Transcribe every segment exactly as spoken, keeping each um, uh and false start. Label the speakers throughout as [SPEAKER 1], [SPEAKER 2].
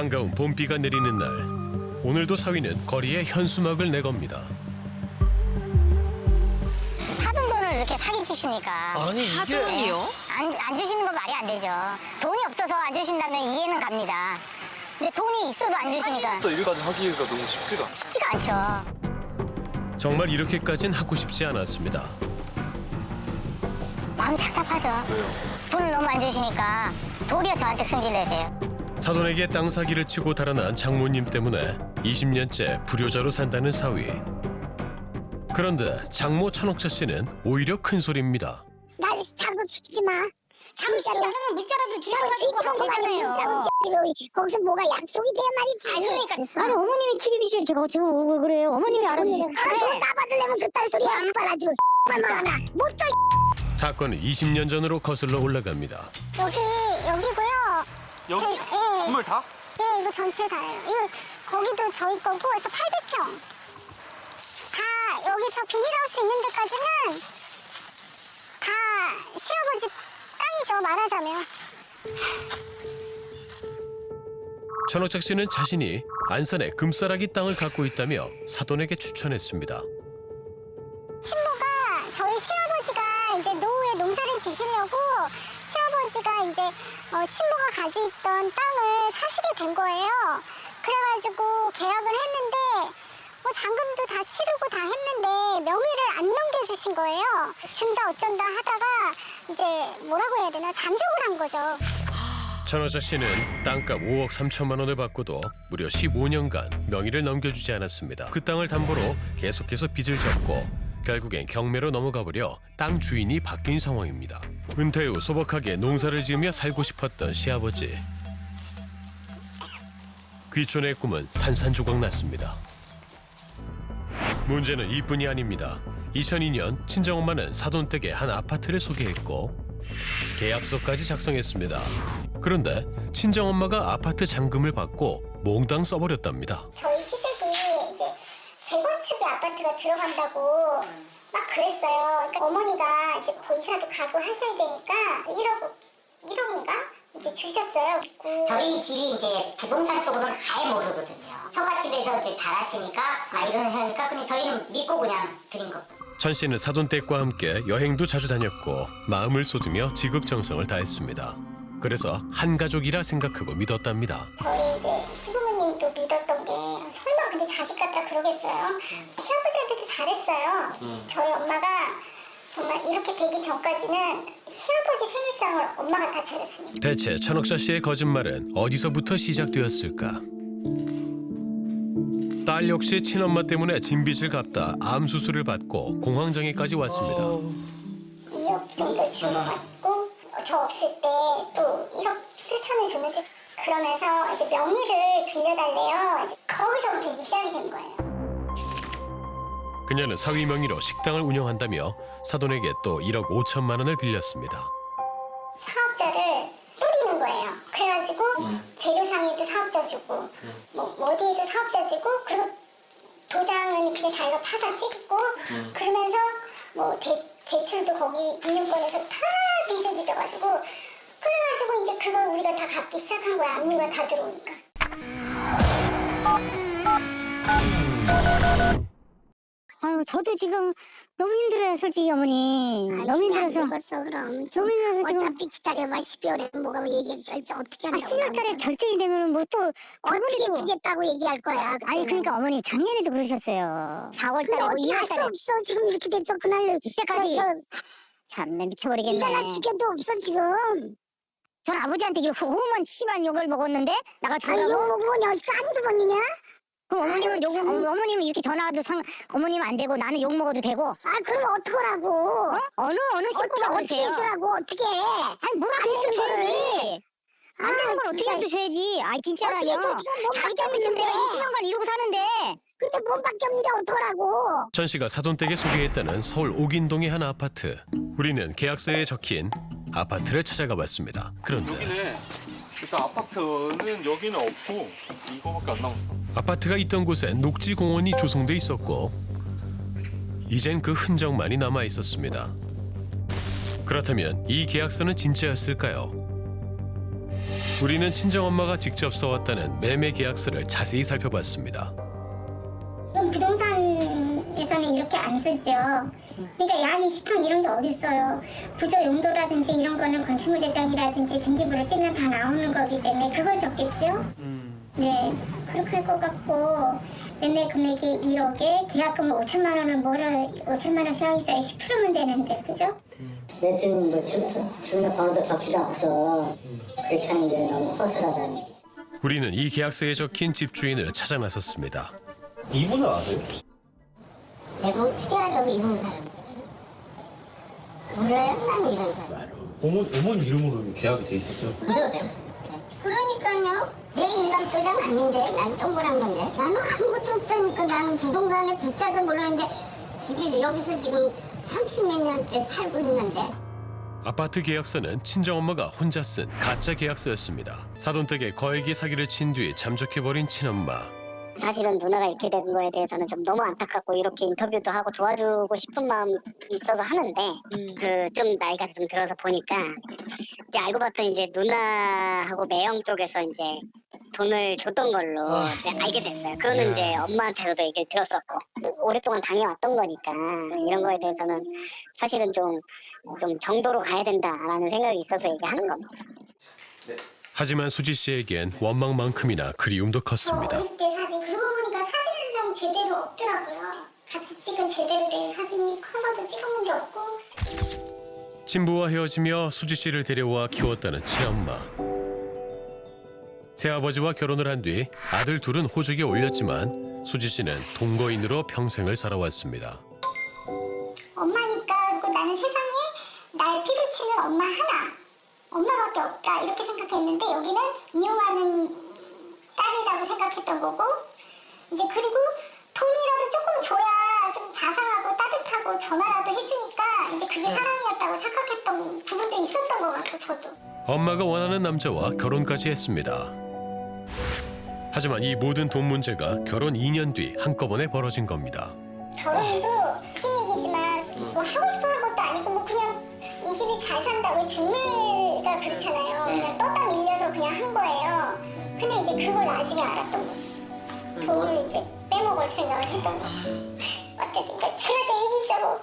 [SPEAKER 1] 한가운 봄비가 내리는 날, 오늘도 사위는 거리에 현수막을 내겁니다.
[SPEAKER 2] 사돈 돈을 이렇게 사기치시니까
[SPEAKER 3] 아니 이게
[SPEAKER 4] 사돈이요?
[SPEAKER 2] 안, 안 주시는 건 말이 안 되죠. 돈이 없어서 안 주신다면 이해는 갑니다. 근데 돈이 있어도 안 주시니까
[SPEAKER 3] 또 이거까지 하기가 너무 쉽지가 않아.
[SPEAKER 2] 쉽지가 않죠.
[SPEAKER 1] 정말 이렇게까진 하고 싶지 않았습니다.
[SPEAKER 2] 마음 착잡하죠.
[SPEAKER 3] 왜요?
[SPEAKER 2] 돈을 너무 안 주시니까 도리어 저한테 승질 내세요.
[SPEAKER 1] 사돈에게 땅 사기를 치고 달아난 장모님 때문에 이십 년째 불효자로 산다는 사위. 그런데 장모 천옥자 씨는 오히려 큰 소리입니다.
[SPEAKER 2] 나 자꾸 시키지 마. 자꾸 시키지 않으면 문자라도 주셔가지고 하잖아요. 거기서 뭐가 약속이 돼야 말이지. 아니 그러니까
[SPEAKER 5] 아니 어머님이 책임이시죠. 제가 제가 왜 그래요? 어머님이 알아서
[SPEAKER 2] 그래. 따받으려면 그딴 소리 안 빨아주고 뭐 하나 못줘.
[SPEAKER 1] 사건은 이십 년 전으로 거슬러 올라갑니다.
[SPEAKER 2] 여기 여기고요.
[SPEAKER 3] 여기
[SPEAKER 2] 제- 예.
[SPEAKER 3] 건물 다?
[SPEAKER 2] 예, 이거 전체 다예요. 이거 거기도 저희 거고 해서 팔백 평. 다 여기 저 비닐하우스 있는 데까지는 다 시아버지 땅이죠, 말하자면.
[SPEAKER 1] 천옥자 씨는 자신이 안산에 금싸라기 땅을 갖고 있다며 사돈에게 추천했습니다.
[SPEAKER 2] 친모가 저희 시아버지가 이제 노후에 농사를 지시려고 시아버지가 이제 어, 친모가 가지고 있던 땅을 사시게 된 거예요. 그래가지고 계약을 했는데 뭐 잔금도 다 치르고 다 했는데 명의를 안 넘겨주신 거예요. 준다 어쩐다 하다가 이제 뭐라고 해야 되나 잠적을 한 거죠.
[SPEAKER 1] 천옥자 씨는 땅값 오억 삼천만 원을 받고도 무려 십오 년간 명의를 넘겨주지 않았습니다. 그 땅을 담보로 계속해서 빚을 졌고 결국엔 경매로 넘어가 버려 땅 주인이 바뀐 상황입니다. 은퇴 후 소박하게 농사를 지으며 살고 싶었던 시아버지. 귀촌의 꿈은 산산조각 났습니다. 문제는 이뿐이 아닙니다. 이천이 년 친정엄마는 사돈댁에 한 아파트를 소개했고 계약서까지 작성했습니다. 그런데 친정엄마가 아파트 잔금을 받고 몽땅 써버렸답니다.
[SPEAKER 2] 저희 시댁이 이제 재건축의 아파트가 들어간다고 막 그랬어요. 그러니까 어머니가 이제 뭐 이사도 가고 하셔야 되니까 일억, 일억인가? 이제 주셨어요.
[SPEAKER 6] 저희 집이 이제 부동산 쪽으로는 아예 모르거든요. 처갓집에서 이제 잘하시니까 아 이런 하니까 그냥 저희는 믿고 그냥 드린 거.
[SPEAKER 1] 천 씨는 사돈댁과 함께 여행도 자주 다녔고 마음을 쏟으며 지극정성을 다했습니다. 그래서 한 가족이라 생각하고 믿었답니다.
[SPEAKER 2] 저희 이제 시부모님도 믿었던 게 설마 근데 자식 같다 그러겠어요. 시아버지한테도 잘했어요. 저희 엄마가 정말 이렇게 되기 전까지는 시아버지 생일상을 엄마가 다 차렸으니까.
[SPEAKER 1] 대체 천옥자 씨의 거짓말은 어디서부터 시작되었을까? 딸 역시 친엄마 때문에 진빚을 갚다 암 수술을 받고 공황장애까지 왔습니다.
[SPEAKER 2] 이억 정도 주고받고 저 없을 때 또 일억 칠천을 줬는데 그러면서 이제 명의를 빌려달래요. 이제 거기서부터 이제 시작이 된 거예요.
[SPEAKER 1] 그녀는 사위 명의로 식당을 운영한다며 사돈에게 또 일억 오천만 원을 빌렸습니다.
[SPEAKER 2] 사업자를 뿌리는 거예요. 그래가지고 재료상에도 사업자 주고 뭐 어디에도 사업자 주고 그리고 도장은 그냥 자기가 파서 찍고 그러면서 뭐 대, 대출도 거기 금융권에서 다 빚을 빚어가지고 그래가지고 이제 그걸 우리가 다 갚기 시작한 거야. 압류가 다 들어오니까.
[SPEAKER 5] 아유 저도 지금 너무 힘들어요 솔직히 어머니. 너무 힘들어서.
[SPEAKER 2] 죽었어 그럼.
[SPEAKER 5] 너무 힘들어서 지금.
[SPEAKER 2] 어차피 기다려봐. 십이월에 뭐가 얘기할지 어떻게
[SPEAKER 5] 아
[SPEAKER 2] 한다고.
[SPEAKER 5] 십이월 달에 결정이 되면은 뭐 또
[SPEAKER 2] 어떻게
[SPEAKER 5] 저번에도.
[SPEAKER 2] 주겠다고 얘기할 거야.
[SPEAKER 5] 아니
[SPEAKER 2] 그때는.
[SPEAKER 5] 그러니까 어머니 작년에도 그러셨어요. 사월
[SPEAKER 2] 근데
[SPEAKER 5] 달에 뭐
[SPEAKER 2] 어떻게
[SPEAKER 5] 이월
[SPEAKER 2] 할 수
[SPEAKER 5] 달에.
[SPEAKER 2] 없어. 지금 이렇게 됐어. 그날
[SPEAKER 5] 그때까지.
[SPEAKER 2] 저, 저,
[SPEAKER 5] 참내 미쳐버리겠네.
[SPEAKER 2] 네가 나 죽여도 없어 지금.
[SPEAKER 5] 전 아버지한테 호만 심한 욕을 먹었는데 나가
[SPEAKER 2] 아니
[SPEAKER 5] 전화고.
[SPEAKER 2] 이거 뭐냐 아직도 한두 번이냐?
[SPEAKER 5] 그럼 어머님은
[SPEAKER 2] 아유,
[SPEAKER 5] 욕
[SPEAKER 2] 참.
[SPEAKER 5] 어, 어머님은 이렇게 전화와도 상 어머님은 안 되고 나는 욕 먹어도 되고.
[SPEAKER 2] 아 그럼 어떡하라고?
[SPEAKER 5] 어? 어느 어느
[SPEAKER 2] 어떻게
[SPEAKER 5] 식구가
[SPEAKER 2] 어떻게
[SPEAKER 5] 그러세요?
[SPEAKER 2] 해주라고 어떻게?
[SPEAKER 5] 아니 뭐라도
[SPEAKER 2] 안
[SPEAKER 5] 했으면
[SPEAKER 2] 되는 거를.
[SPEAKER 5] 줘야지. 안 되는 걸 어떻게
[SPEAKER 2] 진짜.
[SPEAKER 5] 해도 줘야지. 아이 진짜라요.
[SPEAKER 2] 어떻게 해도 지금 몸밖에
[SPEAKER 5] 자기 때문에 지금
[SPEAKER 2] 없는데.
[SPEAKER 5] 내가 이십 년간 이러고 사는데.
[SPEAKER 2] 근데 몸밖에 없는데 어떡하라고?
[SPEAKER 1] 천 씨가 사돈댁에 소개했다는 서울 옥인동의 한 아파트. 우리는 계약서에 적힌 아파트를 찾아가 봤습니다. 그런데
[SPEAKER 3] 여기는 일단 아파트는 여기는 없고 이거밖에 안 남았어.
[SPEAKER 1] 아파트가 있던 곳엔 녹지 공원이 조성돼 있었고 이젠 그 흔적만이 남아 있었습니다. 그렇다면 이 계약서는 진짜였을까요? 우리는 친정엄마가 직접 써왔다는 매매 계약서를 자세히 살펴봤습니다.
[SPEAKER 2] 그럼 부동산에서는 이렇게 안 쓰죠. 그러니까 양이 시판 이런 게 어딨어요. 구조 용도라든지 이런 거는 건축물 대장이라든지 등기부를 떼면 다 나오는 거기 때문에 그걸 적겠죠. 네, 그렇게 할 것 같고 매매 금액이 일억에 계약금을 오천만 원을 뭐를 오천만 원 시작했어요. 십 퍼센트면 되는데 그죠?
[SPEAKER 6] 매주 뭐 주민의 번호도 적지도 않고서 그렇게 하는 게 너무 허술하다니.
[SPEAKER 1] 우리는 이 계약서에 적힌 집주인을 찾아 나섰습니다.
[SPEAKER 3] 이분을 아세요?
[SPEAKER 6] 대부분 추리하려고 이런 사람. 몰라요? 나는 이런 사람.
[SPEAKER 3] 어머, 어머니 이름으로 계약이 돼 있었죠?
[SPEAKER 6] 부셔도 돼요? 그러니까요. 내 인감도장 아닌데 난 동그란 건데 나는 아무것도 없다니까. 나는 부동산에 붙자도 모르는데 집이 여기서 지금 삼십몇 년째 살고 있는데.
[SPEAKER 1] 아파트 계약서는 친정엄마가 혼자 쓴 가짜 계약서였습니다. 사돈댁에 거액의 사기를 친 뒤 잠적해버린 친엄마.
[SPEAKER 5] 사실은 누나가 이렇게 된 거에 대해서는 좀 너무 안타깝고 이렇게 인터뷰도 하고 도와주고 싶은 마음 있어서 하는데 그 좀 나이가 좀 들어서 보니까 이제 알고 봤더니 이제 누나하고 매형 쪽에서 이제 돈을 줬던 걸로 이제 알게 됐어요. 그거는 이제 엄마한테서도 얘기를 들었었고 오랫동안 당해왔던 거니까 이런 거에 대해서는 사실은 좀, 좀 정도로 가야 된다라는 생각이 있어서 얘기하는 겁니다.
[SPEAKER 1] 하지만 수지 씨에겐 원망만큼이나 그리움도 컸습니다.
[SPEAKER 2] 어릴 때 사진 그러고 보니까 사진 한 장 제대로 없더라고요. 같이 찍은 제대로 된 사진이 커서도 찍어본 게 없고.
[SPEAKER 1] 친부와 헤어지며 수지 씨를 데려와 키웠다는 친엄마. 새아버지와 결혼을 한 뒤 아들 둘은 호적에 올렸지만 수지 씨는 동거인으로 평생을 살아왔습니다.
[SPEAKER 2] 엄마니까 그리고 나는 세상에 날 피부치는 엄마 하나. 엄마밖에 없다 이렇게 생각했는데 여기는 이용하는 딸이라고 생각했던 거고 이제 그리고 돈이라도 조금 줘야 좀 자상하고 따뜻하고 전화라도 해주니까 이제 그게 사랑이었다고 착각했던 부분도 있었던 것 같고 저도.
[SPEAKER 1] 엄마가 원하는 남자와 결혼까지 했습니다. 하지만 이 모든 돈 문제가 결혼 이 년 뒤 한꺼번에 벌어진 겁니다.
[SPEAKER 2] 결혼도 웃긴 얘기지만 뭐 하고 싶어 한 것도 아니고 뭐 그냥 이 집이 잘 산다 왜 중매가 그렇잖아요. 그냥 떠다 밀려서 그냥 한 거예요. 근데 이제 그걸 나중에 알았던 거죠. 돈을 이제 빼먹을 생각을 했던 거죠. 어쨌든 제가 제 얘기죠.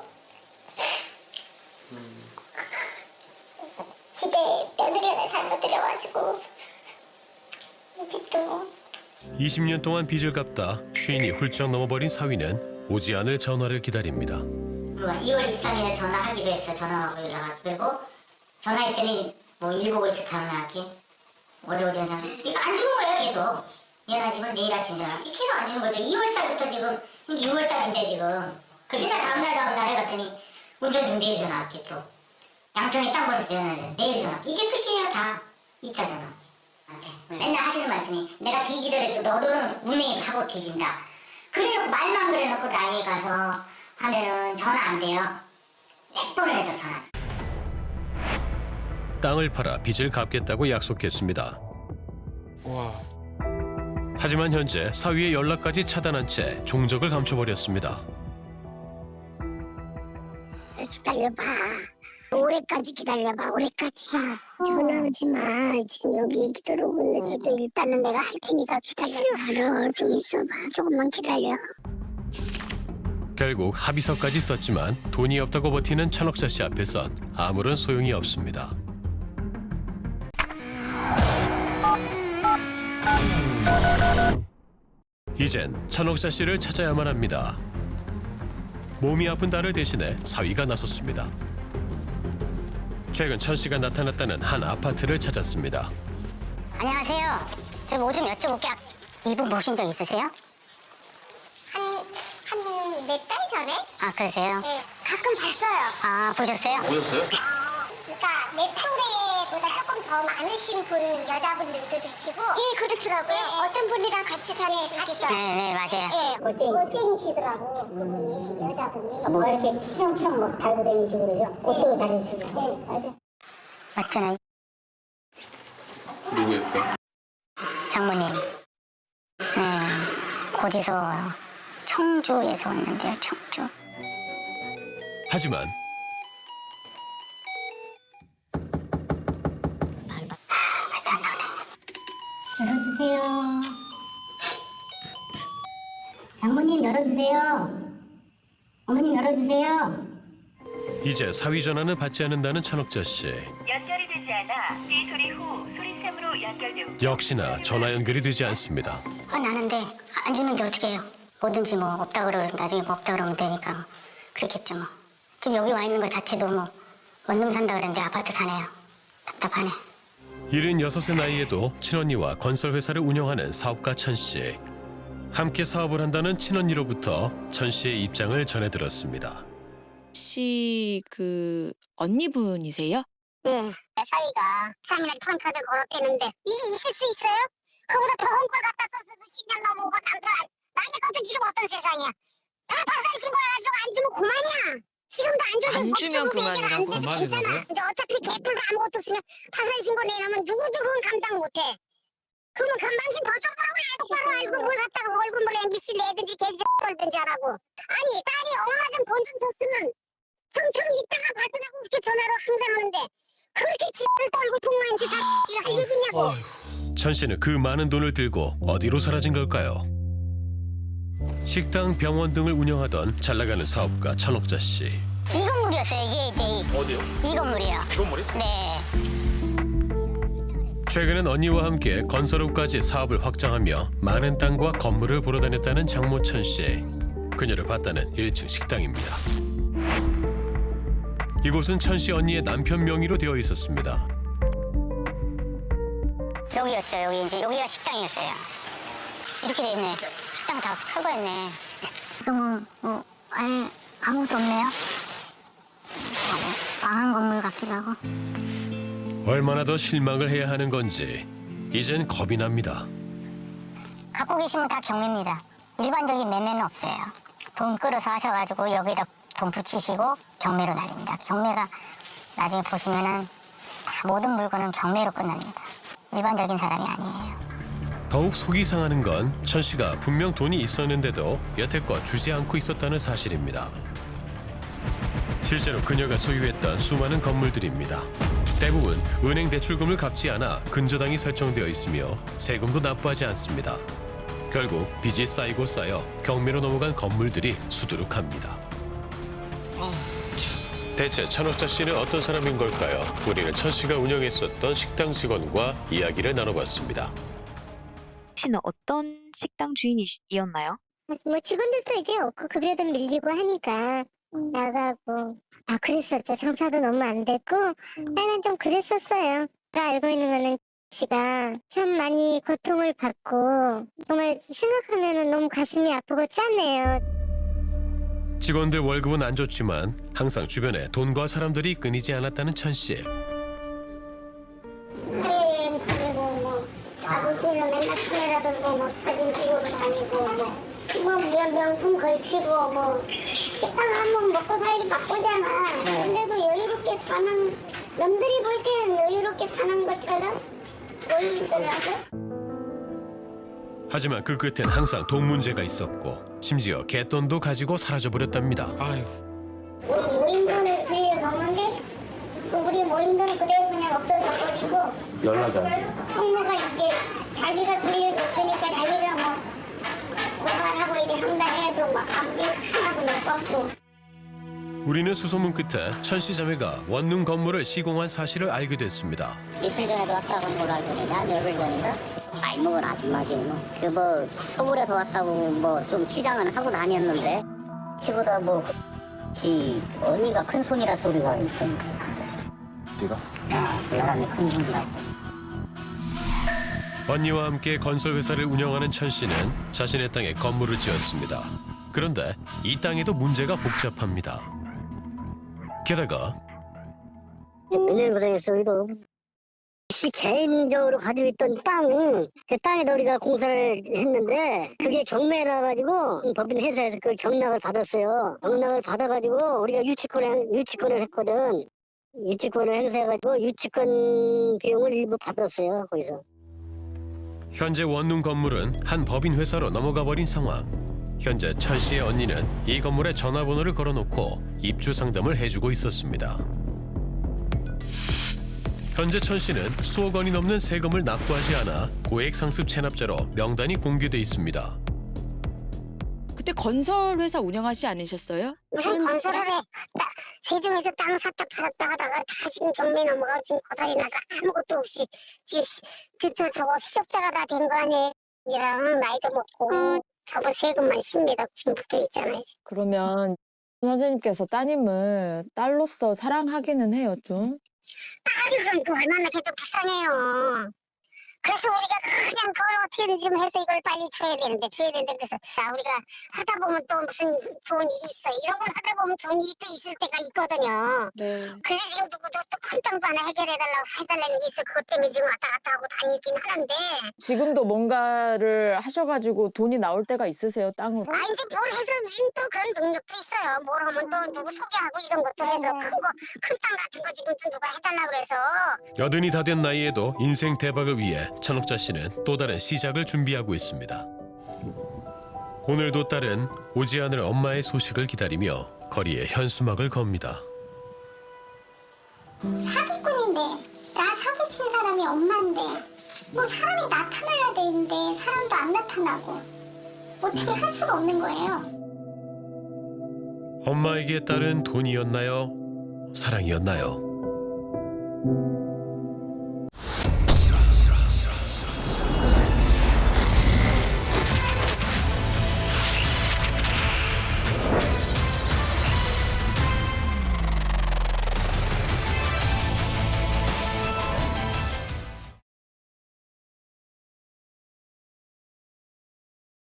[SPEAKER 2] 집에 며느리 하나 잘못 들여가지고 이 집도
[SPEAKER 1] 이십 년 동안 빚을 갚다 쉰이 훌쩍 넘어버린 사위는 오지 않을 전화를 기다립니다.
[SPEAKER 6] 이월 이십삼 일에 전화하기로 했어. 전화하고 연락하고. 그리고 전화했더니 뭐 일보고 있어. 다음날 할게. 어디 오지 않아. 이거 안 주는 거예요 계속. 미안하지만 내일 아침 전화. 계속 안 주는 거죠. 이월 달부터 지금 유월 달인데 지금. 그러니까 다음날 다음날 해갔더니 운전 중 내일 전화할게 또. 양평에 땅 벌어서 내일, 내일 전화할게. 이게 끝이에요 다. 이따 전화. 한테 맨날 하시는 말씀이 내가 뒤지더라도 너도는 운명이 하고 뒤진다. 그래놓고 말만 그래놓고 나이에 가서 하면은 전화 안 돼요. 백 번을 해도 전화.
[SPEAKER 1] 땅을 팔아 빚을 갚겠다고 약속했습니다.
[SPEAKER 3] 와.
[SPEAKER 1] 하지만 현재 사위의 연락까지 차단한 채 종적을 감춰버렸습니다.
[SPEAKER 5] 기다려봐. 올해까지 기다려봐. 올해까지. 전화하지 마. 지금 여기 얘기 들어오고 있는데 일단은 내가 할 테니까 기다려. 좀 있어봐. 조금만 기다려.
[SPEAKER 1] 결국 합의서까지 썼지만 돈이 없다고 버티는 천옥자 씨 앞에선 아무런 소용이 없습니다. 이젠 천옥자 씨를 찾아야만 합니다. 몸이 아픈 딸을 대신해 사위가 나섰습니다. 최근 천 씨가 나타났다는 한 아파트를 찾았습니다.
[SPEAKER 5] 안녕하세요. 저 뭐 좀 여쭤볼게요. 이분 보신 적 있으세요?
[SPEAKER 2] 한 몇 달 전에
[SPEAKER 5] 아 그러세요?
[SPEAKER 2] 네, 가끔 봤어요.
[SPEAKER 5] 아 보셨어요?
[SPEAKER 3] 보셨어요?
[SPEAKER 2] 그러니까 내 또래보다 조금 더 많으신 분 여자분들도 계시고 예 그렇더라고요. 어떤 분이랑 같이 다니시기도
[SPEAKER 5] 네, 네 맞아요.
[SPEAKER 2] 예, 멋쟁이시더라고 그분이 여자분이.
[SPEAKER 5] 뭐 이렇게 시험처럼 막 달고 다니시고 그러죠? 옷도 잘 입으시고.
[SPEAKER 2] 네, 맞아요.
[SPEAKER 5] 맞잖아요.
[SPEAKER 3] 누구였어요?
[SPEAKER 5] 장모님. 네. 고지서 청주에서 왔는데요. 청주.
[SPEAKER 1] 하지만
[SPEAKER 5] 말도 안 나오네. 열어주세요. 어머님 열어주세요.
[SPEAKER 1] 이제 사위 전화는 받지 않는다는 천옥자 씨.
[SPEAKER 4] 연결이 되지 않아 삐 소리 후 소리샘으로 연결되고
[SPEAKER 1] 역시나 전화 연결이 되지 않습니다.
[SPEAKER 2] 아 나는데 안 주는 게 어떻게 해요? 뭐든지 뭐 없다 그러면 나중에 뭐 없다 그러면 되니까 그렇겠죠 뭐. 지금 여기 와 있는 것 자체도 뭐 원룸 산다 그랬는데 아파트 사네요. 답답하네.
[SPEAKER 1] 일흔여섯의 나이에도 친언니와 건설회사를 운영하는 사업가 천 씨. 함께 사업을 한다는 친언니로부터 천 씨의 입장을 전해들었습니다.
[SPEAKER 7] 혹시 그 언니분이세요?
[SPEAKER 2] 네. 내 사위가 삼일날 프랑카드 걸었대는데 이게 있을 수 있어요? 그보다 더 큰 걸 갖다 써서 십 년 넘은 거 남편 나한테 것도 지금 어떤 세상이야. 다 박살 신고해가지고 안 주면 그만이야. 지금도 안 줘도
[SPEAKER 7] 안 주면
[SPEAKER 2] 법적으로
[SPEAKER 7] 그만이라고?
[SPEAKER 2] 해결 안 돼도 괜찮아. 이제 어차피 개뿔도 아무것도 없으면 박살 신고 내려면 누구누구는 감당 못해. 그러면 건방진 더 줘보라고 그래. 똑바로 알고 뭘 갖다가 월급을 엠비씨 내든지 개지 걸든지 하라고. 아니 딸이 엄마 좀 돈 좀 줬으면 성촌이 이따가 받으라고 그렇게 전화로 항상 하는데 그렇게 지를 떨고 동무한테 사기를 할 얘기냐고.
[SPEAKER 1] 천 씨는 그 많은 돈을 들고 어디로 사라진 걸까요? 식당, 병원 등을 운영하던 잘나가는 사업가 천옥자 씨.
[SPEAKER 2] 이 건물이었어요. 이게 이제 이,
[SPEAKER 3] 어디요?
[SPEAKER 2] 이 건물이요.
[SPEAKER 3] 이 건물이?
[SPEAKER 2] 네.
[SPEAKER 1] 최근엔 언니와 함께 건설업까지 사업을 확장하며 많은 땅과 건물을 보러 다녔다는 장모 천 씨. 그녀를 봤다는 일 층 식당입니다. 이곳은 천 씨 언니의 남편 명의로 되어 있었습니다.
[SPEAKER 2] 여기였죠. 여기 이제 여기가 식당이었어요. 이렇게 돼 있네. 식당 다 철거했네. 이거 뭐, 뭐 아예 아무것도 없네요. 아, 망한 건물 같기도 하고.
[SPEAKER 1] 얼마나 더 실망을 해야 하는 건지 이젠 겁이 납니다.
[SPEAKER 2] 갖고 계시면 다 경매입니다. 일반적인 매매는 없어요. 돈 끌어서 하셔가지고 여기다 돈 붙이시고 경매로 날립니다. 경매가 나중에 보시면은 다 모든 물건은 경매로 끝납니다. 일반적인 사람이 아니에요.
[SPEAKER 1] 더욱 속이 상하는 건 천 씨가 분명 돈이 있었는데도 여태껏 주지 않고 있었다는 사실입니다. 실제로 그녀가 소유했던 수많은 건물들입니다. 대부분 은행 대출금을 갚지 않아 근저당이 설정되어 있으며 세금도 납부하지 않습니다. 결국 빚이 쌓이고 쌓여 경매로 넘어간 건물들이 수두룩합니다. 대체 천옥자 씨는 어떤 사람인 걸까요? 우리는 천 씨가 운영했었던 식당 직원과 이야기를 나눠봤습니다.
[SPEAKER 4] 씨는 어떤 식당 주인이었나요?
[SPEAKER 2] 뭐 직원들도 이제 없고 급여도 밀리고 하니까 나가고 아 그랬었죠. 장사도 너무 안 됐고 하여간 좀 그랬었어요. 제가 알고 있는 거는 씨가 참 많이 고통을 받고 정말 생각하면 너무 가슴이 아프고 짠해요.
[SPEAKER 1] 직원들 월급은 안 좋지만 항상 주변에 돈과 사람들이 끊이지 않았다는 천 씨.
[SPEAKER 2] 해외여행 다니고 뭐 아버지는 맨날 카메라 들고 뭐 사진 찍으러 다니고 뭐 뭐 명품 걸치고 뭐 식당 한번 먹고 살기 바쁘잖아. 근데도 여유롭게 사는 남들이 볼 때는 여유롭게 사는 것처럼 보이더라고.
[SPEAKER 1] 하지만 그 끝엔 항상 돈 문제가 있었고 심지어 갯돈도 가지고 사라져버렸답니다.
[SPEAKER 3] 아유.
[SPEAKER 2] 우리 모임돈을 빌려 먹는데 우리 모임돈 그대로 그냥 없어져 버리고
[SPEAKER 3] 연락이 안 돼요.
[SPEAKER 2] 형무가 이제 자기가 빌릴 못 되니까 자기가 뭐 고발하고 이래 한다 해도 막 앞뒤 하나도 못 받고.
[SPEAKER 1] 우리는 수소문 끝에 천 씨 자매가 원룸 건물을 시공한 사실을 알게 됐습니다.
[SPEAKER 5] 며칠 전에도 왔다고 한 걸로 알고 있는데 한 열흘 전인가? 나이 먹은 아줌마지 뭐. 그 뭐 서울에서 왔다고 뭐 좀 치장은 하고 다녔는데 키보다 뭐지 언니가 큰 손이라 소리가 있던데.
[SPEAKER 3] 네가?
[SPEAKER 5] 아, 그 사람이 큰 손이라고.
[SPEAKER 1] 언니와 함께 건설회사를 운영하는 천 씨는 자신의 땅에 건물을 지었습니다. 그런데 이 땅에도 문제가 복잡합니다. 게다가
[SPEAKER 5] 은행구장에서 우리도 씨 개인적으로 가지고 있던 땅, 그 땅에다 우리가 공사를 했는데 그게 경매라 가지고 법인 회사에서 그걸 경락을 받았어요. 경락을 받아가지고 우리가 유치권을 유치권을 했거든. 유치권을 행사해가지고 유치권 비용을 일부 받았어요 거기서.
[SPEAKER 1] 현재 원룸 건물은 한 법인 회사로 넘어가 버린 상황. 현재 천 씨의 언니는 이 건물에 전화번호를 걸어놓고 입주 상담을 해주고 있었습니다. 현재 천 씨는 수억 원이 넘는 세금을 납부하지 않아 고액 상습 체납자로 명단이 공개돼 있습니다.
[SPEAKER 7] 그때 건설 회사 운영하시지 않으셨어요?
[SPEAKER 2] 무슨 건설을 해. 나 세종에서 땅 샀다 팔았다 하다가 다 지금 경매 넘어가고 지금 고달이 나서 아무것도 없이 지금 그저 저거 실업자가 다 된 거 아니에요. 이랑 나이도 먹고 저번 세금만 십몇 억 지금 붙어 있잖아요.
[SPEAKER 8] 그러면 선생님께서 따님을 딸로서 사랑하기는 해요, 좀?
[SPEAKER 2] 딸이란 그 얼마나 걔도 불쌍해요. 그래서 우리가 그냥 그걸 어떻게든 좀 해서 이걸 빨리 줘야 되는데 줘야 되는데 그래서 야, 우리가 하다 보면 또 무슨 좋은 일이 있어. 이런 걸 하다 보면 좋은 일이 또 있을 때가 있거든요.
[SPEAKER 7] 네.
[SPEAKER 2] 그래서 지금 누구도 또 큰 땅도 하나 해결해달라고 해달라는 게 있어. 그것 때문에 지금 왔다 갔다 하고 다니긴 하는데
[SPEAKER 8] 지금도 뭔가를 하셔가지고 돈이 나올 때가 있으세요, 땅으로?
[SPEAKER 2] 아 이제 뭘 해서 무슨 또 그런 능력도 있어요. 뭘 하면 또 누구 소개하고 이런 것도 해서 큰 거 큰 땅 같은 거 지금 또 누가 해달라고 그래서
[SPEAKER 1] 여든이 다 된 나이에도 인생 대박을 위해 천옥자 씨는 또 다른 시작을 준비하고 있습니다. 오늘도 딸은 오지 않을 엄마의 소식을 기다리며 거리에 현수막을 겁니다.
[SPEAKER 2] 사기꾼인데 나 사기친 사람이 엄마인데 뭐 사람이 나타나야 되는데 사람도 안 나타나고 어떻게 할 수가 없는 거예요.
[SPEAKER 1] 엄마에게 딸은 돈이었나요? 사랑이었나요?